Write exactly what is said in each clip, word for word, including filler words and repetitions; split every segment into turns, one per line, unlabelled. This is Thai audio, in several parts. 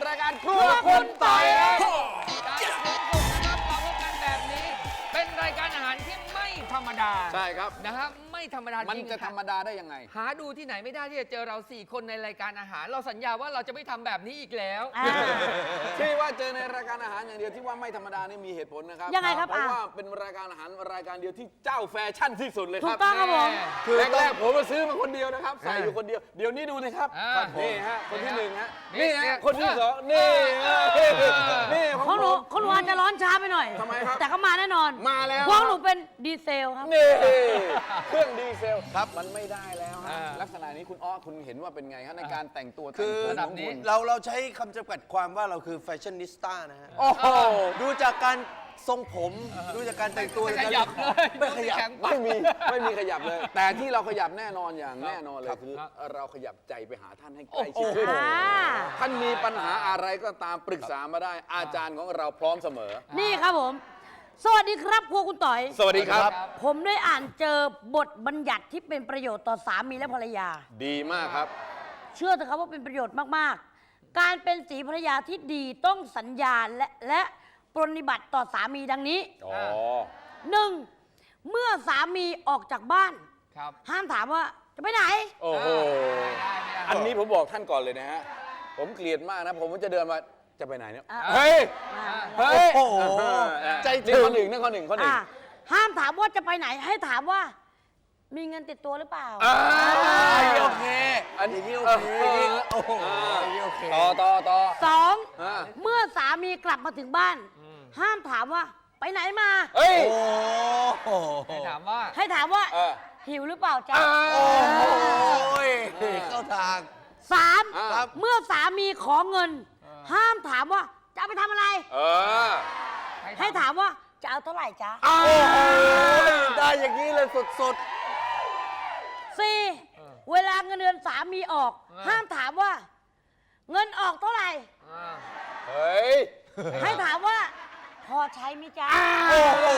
รายการครัวคุณต่อยครับ
จากทุกคนนะครับมาพบกันแบบนี้ เป็นรายการอาหารที่ไม่ธรรมดา
ใช่ครับ
นะครับไม่ธรรมดา
มัน
จริง
จะธรรมดาได้ยังไง
หาดูที่ไหนไม่ได้ที่จะเจอเราสี่คนในรายการอาหาร เราสัญญาว่าเราจะไม่ทำแบบนี้อีกแล้ว
ที่ว่าเจอในรายการอาหารอย่างเดียวที่ว่าไม่ธรรมดานี่มีเหตุผลนะครับ
ยังไงครับ
เพราะว่าเป็นรายการอาหารรายการเดียวที่เจ้าแฟชั่นที่สุดเลยค
ถู
รั
ก
บ
ต้องครับผม
คือแรกๆผมมาซื้อมาคนเดียวนะครับใส่อยู่คนเดียวเดี๋ยวนี้ดูนะครับ
อ่า
นี่ฮะคนที่หนึ่งฮะ
นี่
นี่
เนี่
ฮะ
ย
คนที่สองนี่นี่
ของหนู
ผม
ของหนูอาจจะร้อนช้าไปหน่อย
ทำไมครับ
แต่ก็มาแน่นอน
มาแล้ว
พวกหนูเป็นดีเซลครับ
นี่เครื่องดีเซลครับมันไม่ได้แล้วฮะ
อ่า
ลักษณะนี้คุณอ้อคุณเห็นว่าเป็นไงครับในการแต่งตัว
คือ
แต่งตัว
ระดับ
ของ
นี้
คุณ
เราเราใช้คำจำกัดความว่าเราคือแฟชั่นนิสต้านะฮะ
โอ้โห
ดูจากการทรงผม ดูจากการแต่งตัว
ไม่ขยับเลย
ไม่ขยับ
แข็ง
ไม่มีไม่มีขยับเลย แต่ที่เราขยับแน่นอนอย่างแน่นอนเลย
ครับ
คือ
ครับ
เราขยับใจไปหาท่านให้ใกล้ชิดขึ้น
อ่า
ท่านมีปัญหาอะไรก็ตามปรึกษามาได้ อาจารย์ของเราพร้อมเสมอ
นี่ครับผม สวัสดีครับครัวคุณต่อย
สวัสดีครับ
ผมได้อ่านเจอบทบัญญัติที่เป็นประโยชน์ต่อสามีและภรรยา
ดีมากครับ
เชื่อเถอะครับว่าเป็นประโยชน์มากๆ การเป็นสีภรรยาที่ดีต้องสัญญาและและปรนนิบัติต่อสามีดังนี้
อ๋อ
หนึ่งเมื่อสามีออกจากบ้าน
ครับ
ห้ามถามว่าจะไปไหน
โอ้โห
ไม่ได้ไม่ได้
อันนี้ผมบอกท่านก่อนเลยนะฮะ ผมเกลียดมากนะ ผมจะเดินมาจะไปไหนเนี่ย
อ่ะ
เฮ้ย
อ่า
เฮ้ย
โอ้โห
ใจถึงข้อหนึ่งนั่นข้อหนึ่งข้อหนึ่ง
อ่ะห้ามถามว่าจะไปไหนให้ถามว่า มีเงินติดตัวหรือเปล่า
อ่า
อันนี้โอเค
อัน
นี้
นี้
โอ
โอ
เค
เค
โอ้โหอันนี้โอเค
ต่อต่อต่อ
สอง
อ่า
เมื่อสามีกลับมาถึงบ้าน ห้ามถามว่า ไปไหนมา
เฮ้ย
โอ้โห
ให้ถามว่า
ให้ถามว่า
เออ
หิวหรือเปล่าจ๊ะ
โอ้ยเข้าทาง
สาม
อ่า
ครับ
เมื่อสามีขอเงิน ห้ามถามว่าจะเอาไปทำอะไร
เออ
ให้ถามว่าจะเอาเท่าไหร่จ๊ะ
โอ้โหได้อย่างนี้เลยสุด
สี่เวลาเงินเดือนสามีออก ห้ามถามว่า เงินออกเท่าไหร่
อ่า
เฮ้ย
ให้ถามว่า พอใช้ไหมจ๊ะ
ๆ โอ้โห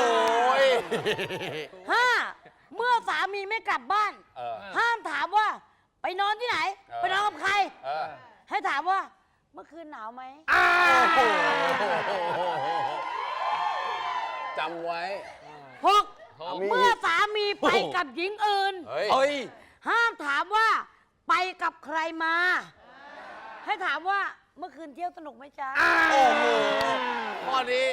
ห้าเมื่อสามีไม่กลับบ้าน
เออ
ห้ามถามว่า ไปนอนที่ไหน
เออ
ไปนอนกับใคร
เออ
ให้ถามว่า เมื่อคืนหนาวไหม
จำไว้
หก
หก
เมื่อสามีไปกับหญิงอื่น
เฮ้ย
เฮ้ย
ห้ามถามว่า ไปกับใครมา ให้ถามว่าเมื่อคืนเที่ยวสนุกไหมจ๊ะ
โอ้โหข้อนี้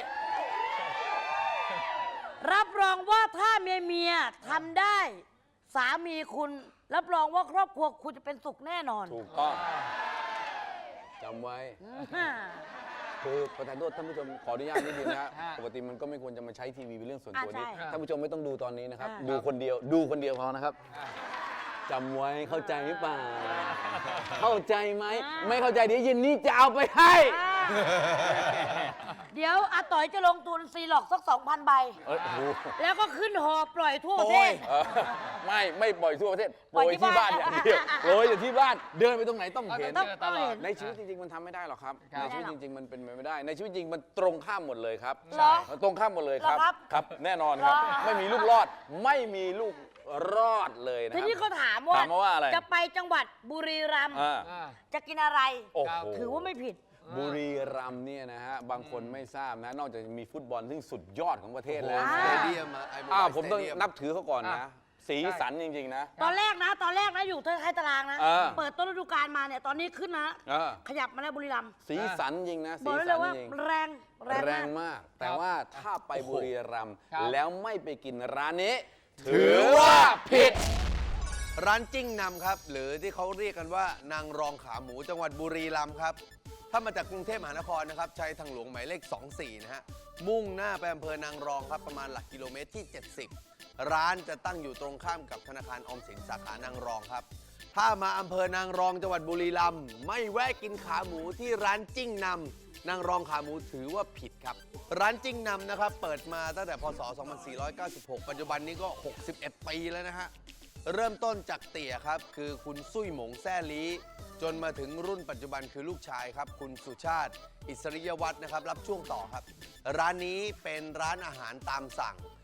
รับรองว่าถ้าเมียเมียทำได้ สามีคุณ รับรองว่าครอบครัวคุณจะเป็นสุขแน่นอน
ถูกต้องจำไว้
อ่า
คือประธานโทษท่านผู้ชมขออนุญาตนิดนึงนะฮะ
ฮะ
ปกติมันก็ไม่ควรจะมาใช้ทีวีเป็นเรื่องส่วนตัว
อ่า
นี้
ใช่
ท่านผู้ชมไม่ต้องดูตอนนี้นะครับ
อ่า
ดูคนเดียว ดูคนเดียวพอนะครับจำไว้เข้าใจหรือเปล่า เข้าใจไหม ไม่เข้าใจเดี๋ยวเย็นนี้จะเอาไปให้
อ่าเดี๋ยวอาต่อยจะลงทุนซีหลอกสักสองพันใบ
เอ้ยโอ้โห
แล้วก็ขึ้นหอปล่อยทั่วประเทศ
เออไม่ไม่ปล่อยทั่วประเทศโป
ปล่
ร
อย
ย
ที่
ที่บ้าน
บ้าน
อย่างเดียวโปรยอยู่ที่บ้าน เดินไปตรงไหนต้องเห็น
ต้องเจอตลอด
ในชีวิตจริงๆมันทำไม่ได้หรอกครับ
ครับ
ในชีวิตจริง ๆ มันเป็นไปไม่ได้ ในชีวิตจริงมันตรงข้ามหมดเลยครับ
เหรอ
ตรงข้ามหมดเลยครับ
เหรอครับ
ครับ แน่นอนครับ
เหรอ
ไม่มีลูกรอด ไม่มีลูกรอดเลยนะค
ที
รับ
นี้เขาถามว่า
ถามมาว่าอะไร
จะไปจังหวัดบุรีรัมย์
อ่า
อ่า
จะกินอะไร
โอ้โห
ถือว่าไม่ผิด
บุรีรัมย์เนี่ยนะฮะ บางคนไม่ทราบนะ นอกจากจะมีฟุตบอลซึ่งสุดยอดของประเทศแล้ว
อ่า
สเตเดียมอะไอ้โมบาย
อ้าวผมต้อง
สเตเดีย
นับถือเขาก่อนนะ
อ่ะ
สีสันจริง ๆ นะ
ตอนแรกนะ ตอนแรกนะอยู่ท้ายตารางนะ
อ่า
เปิดต้นฤดูกาลมาเนี่ยตอนนี้ขึ้นนะ
อ่า
ขยับมาแล้วบุรีรัมย์
สีสันจริงนะ
บ
สี
อกได้เล
สั
ย
น
ว่า
จริง
แรงแรง
แรง
มาก
มาก แต่ว่าถ้าไปบุรีรัมย์
ครับ
แล้วไม่ไปกินร้านนี้ ถือว่าผิด
ร้านจิ้งนำครับ หรือที่เขาเรียกกันว่านางรองขาหมูจังหวัดบุรีรัมย์ครับ ถ้ามาจากกรุงเทพมหานครนะครับใช้ทางหลวงหมายเลข สองสี่ นะฮะ มุ่งหน้าไปอำเภอนางรองครับ ประมาณหลักกิโลเมตรที่ เจ็ดสิบ ร้านจะตั้งอยู่ตรงข้ามกับธนาคารออมสินสาขานางรองครับ ถ้ามาอำเภอนางรองจังหวัดบุรีรัมย์ไม่แวะกินขาหมูที่ร้านจิ้งนำนางรองขาหมูถือว่าผิดครับ ร้านจิ้งนำนะครับเปิดมาตั้งแต่พศ สองพันสี่ร้อยเก้าสิบหก ปัจจุบันนี้ก็ หกสิบเอ็ด ปีแล้วนะฮะ เริ่มต้นจากเตี่ยครับ คือคุณซุยหมงแซ่ลีจนมาถึงรุ่นปัจจุบันคือลูกชายครับ คุณสุชาติ อิสริยวัฒน์นะครับ รับช่วงต่อครับ ร้านนี้เป็นร้านอาหารตามสั่ง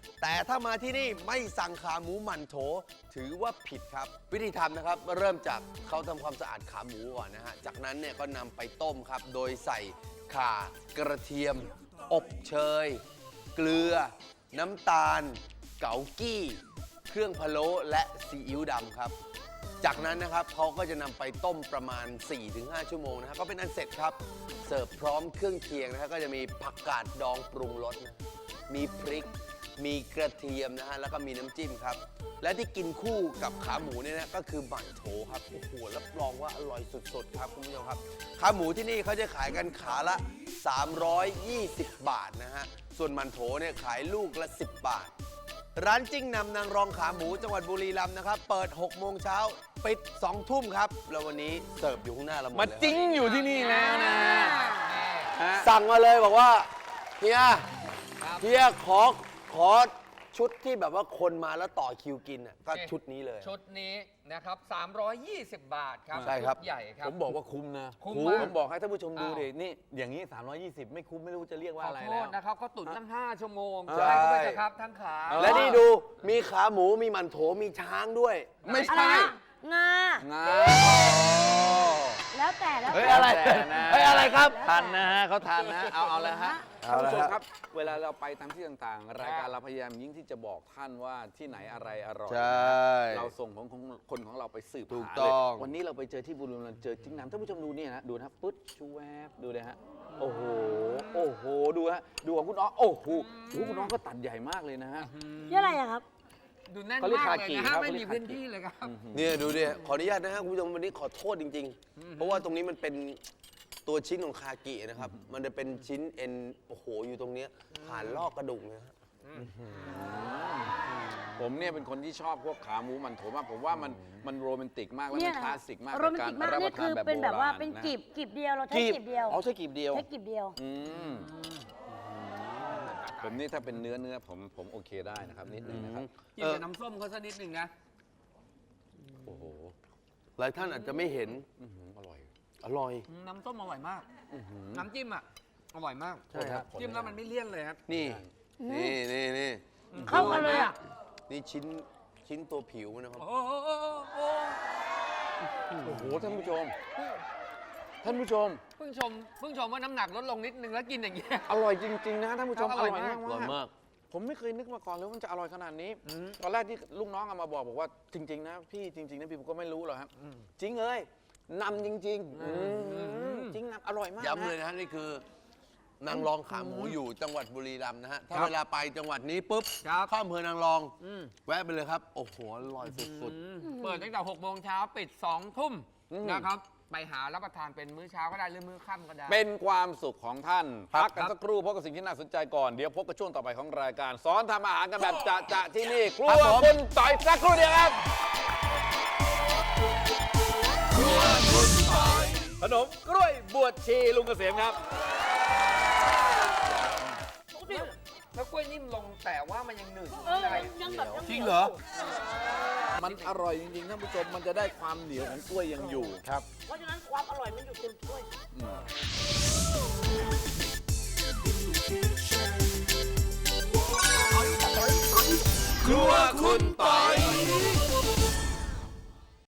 แต่ถ้ามาที่นี่ไม่สั่งขาหมูหมั่นโถถือว่าผิดครับ วิธีทำนะครับเริ่มจากเขาทำความสะอาดขาหมูก่อนนะฮะจากนั้นเนี่ยก็นำไปต้มครับ โดยใส่ข่ากระเทียม อบเชย เกลือ น้ำตาล เกากี้ เครื่องพะโล้และซีอิ๊วดำครับ จากนั้นนะครับเขาก็จะนำไปต้มประมาณ สี่ถึงห้า ชั่วโมงนะฮะก็เป็นอันเสร็จครับ เสิร์ฟพร้อมเครื่องเคียงนะฮะก็จะมีผักกาดดองปรุงรสนะมีพริก มีกระเทียมนะฮะแล้วก็มีน้ำจิ้มครับ และที่กินคู่กับขาหมูเนี่ยนะก็คือหมั่นโถครับโอ้โหรับรองว่าอร่อยสุดๆครับคุณผู้ชมครับขาหมูที่นี่เขาจะขายกันขาละ สามร้อยยี่สิบ บาทนะฮะส่วนหมั่นโถเนี่ยขายลูกละ สิบ บาท ร้านจิ้งนำนางรองขาหมูจังหวัดบุรีรัมย์นะครับ เปิด หก โมงเช้าปิด สอง ทุ่มครับ แล้ววันนี้เสิร์ฟอยู่ข้างหน้าเราหมด
มา
เลยครับ
จิ้งอยู่ที่นี่แล้วนะฮะ
สั่งมาเลยบอกว่าเฮีย
ครับ
เฮียขอขอชุดที่แบบว่าคนมาแล้วต่อคิวกินอ่ะก็ชุดนี้เลย
ชุดนี้นะครับ สามร้อยยี่สิบ บาทครับ
ใช่ครับ
ชุดใหญ่ครับ
ผมบอกว่าคุ้มนะ
คุ้ม
ผ
มาก
ผมบอกให้ท่านผู้ชมดู
อ้าว
ดินี่อย่างนี้ สามร้อยยี่สิบ ไม่คุ้มไม่รู้จะเรียก
ข
ว่า
อ
อะไร
โท
แล้ว
ษนะครับเขาตุ๋นตั้ง ห้า ชั่วโมง
ใช่
ใช่เข้าไปเถอะครับทั้งขา
เออ
และนี่ดูมีขาหมูมีหมั่นโถมีช้างด้วย
ไม่
อะไร
ใช่
นะงา
งา
แล้วแต่แล้ว
เฮ้ย
แต่
อะไร
แต่นะ
เฮ้ยอะไรครับ
ทันนะฮะเขาทันนะ เอาเอาแล้วฮะ
เอา
ท่าน
ละ
ผู้ชม
ฮะ
ครับ เวลาเราไปตามที่ต่างๆ รายการเราพยายามยิ่งที่จะบอกท่านว่าที่ไหนอะไรอร่อย
ใช่
เราส่งของของคนของเราไปสืบ
ถูก
หา
ต้อง
เลยวันนี้เราไปเจอที่บุรีรัมย์เจอจิ้งน้ำท่านผู้ชมดูเนี่ยนะดูนะครับปึ๊ดชูแวบดูเลยฮะโอ้โหโอ้โหดูฮะดูของคุณน้องโอ้โหโอ้โหคุณน้องก็ตัดใหญ่มากเลยนะฮะ
นี่อะไรอะครับ
ดูแน่น
เขาเรียก
มาก
คา
เลย
กิ
นะ
ครั
ฮะ
บ
ไม่
เขาเรี
มี
ยก
พื้น
คากิ
ที่เลยครับ
เนี่ยดูดิขออนุญาตนะฮะคุณผู้ชมวันนี้ขอโทษจริง ๆ เพราะว่าตรงนี้มันเป็นตัวชิ้นของคากินะครับ มันจะเป็นชิ้นเอ็นโอ้โหอยู่ตรงเนี้ยผ่านลอกกระดูกนะฮะ
ผมเนี่ยเป็นคนที่ชอบพวกขาหมูมันโถมากผมว่ามันมันโรแมนติกมากและ
เนี่
มั
ย
นคลาสสิกมาก
โรแมนติกมาก
ใน
นี่
ร
คือ
รับ
เป็นแบบว่า
โรณ
เป็น
นะ
กีบกีบเดียวเราใช้
กีบ
กีบเดียว
อ๋อใช้กีบเดียว
ใช้กีบเดียว
อืมผมนี่ถ้าเป็นเนื้อเนื้อผมผมโอเคได้นะครับนิดนึงนะครับ
กินกับน้ำส้มเขาสักนิดหนึ่งนะ
โอ้โห
หลายท่านอาจจะไม่เห็น
อื้อหืออร่อย
อร่อย
น้ำส้มอร่อยมาก น้ำจิ้มอ่ะ อร่อยมาก
ใช่ครับ
จิ้มแล้วมันไม่เลี่ยนเลยครับ
นี่ นี่นี่นี่
เข้ากันเลยอะ
นี่ชิ้นชิ้นตัวผิวนะครับ
โอ้โหโอ้โหโอ้โห
โอ้โหท่านผู้ชม ท่านผู้ชม
เพิ่งชมเพิ่งชมว่าน้ำหนักลดลงนิดนึงแล้วกินอย่างเงี้ย
อร่อยจริง ๆ นะท่านผู้ชม
ครับอร่อยมาก
อร่อยมาก
ผมไม่เคยนึกมาก่อนเลยว่ามันจะอร่อยขนาดนี้ ตอนแรกที่ลูกน้องเอามาบอกบอกว่าจริง ๆ นะพี่จริง ๆ นะพี่ผมก็ไม่รู้หรอกครับจริงเอ้ยนำจริงๆอืมจริงนำอร่อยมาก
ย้ำเลย
นะ
นะฮะนี่คือนางรองขาหมูอยู่จังหวัดบุรีรัมย์นะฮะ ถ้า
ครับ
เวลาไปจังหวัดนี้ปุ๊บ
ครับ
เข้าอำเภอนางรอง
อืม
แวะไปเลยครับ โอ้โหอร่อยสุด
เปิดตั้งแต่หกโมงเช้าปิดสองทุ่ม
อืม
นะครับ ไปหารับประทานเป็นมื้อเช้าก็ได้หรือมื้อค่ำก็ได้
เป็นความสุขของท่าน
ครับ
พักกันสักครู่พบกับสิ่งที่น่าสนใจก่อน เดี๋ยวพบกับช่วงต่อไปของรายการ สอนทำอาหารกันแบบจะจะๆที่นี่ครัวคุณต่อยสักครู่เดียวครับขนมกล้วยบวชชีลุงเกษมครับ
แล้วกล้วยนิ่มลงแต่ว่ามันยังหนึบ
เออ
อะไร
ยังแบบยัง
จริงเหรอ
มันอร่อยจริงๆท่านผู้ชมมันจะได้ความเหนียวของกล้วยยังอยู่ครับ
เพราะฉะนั้นความอร่อยมันอยู่เต็มถ้วย
ครัวคุณต่อย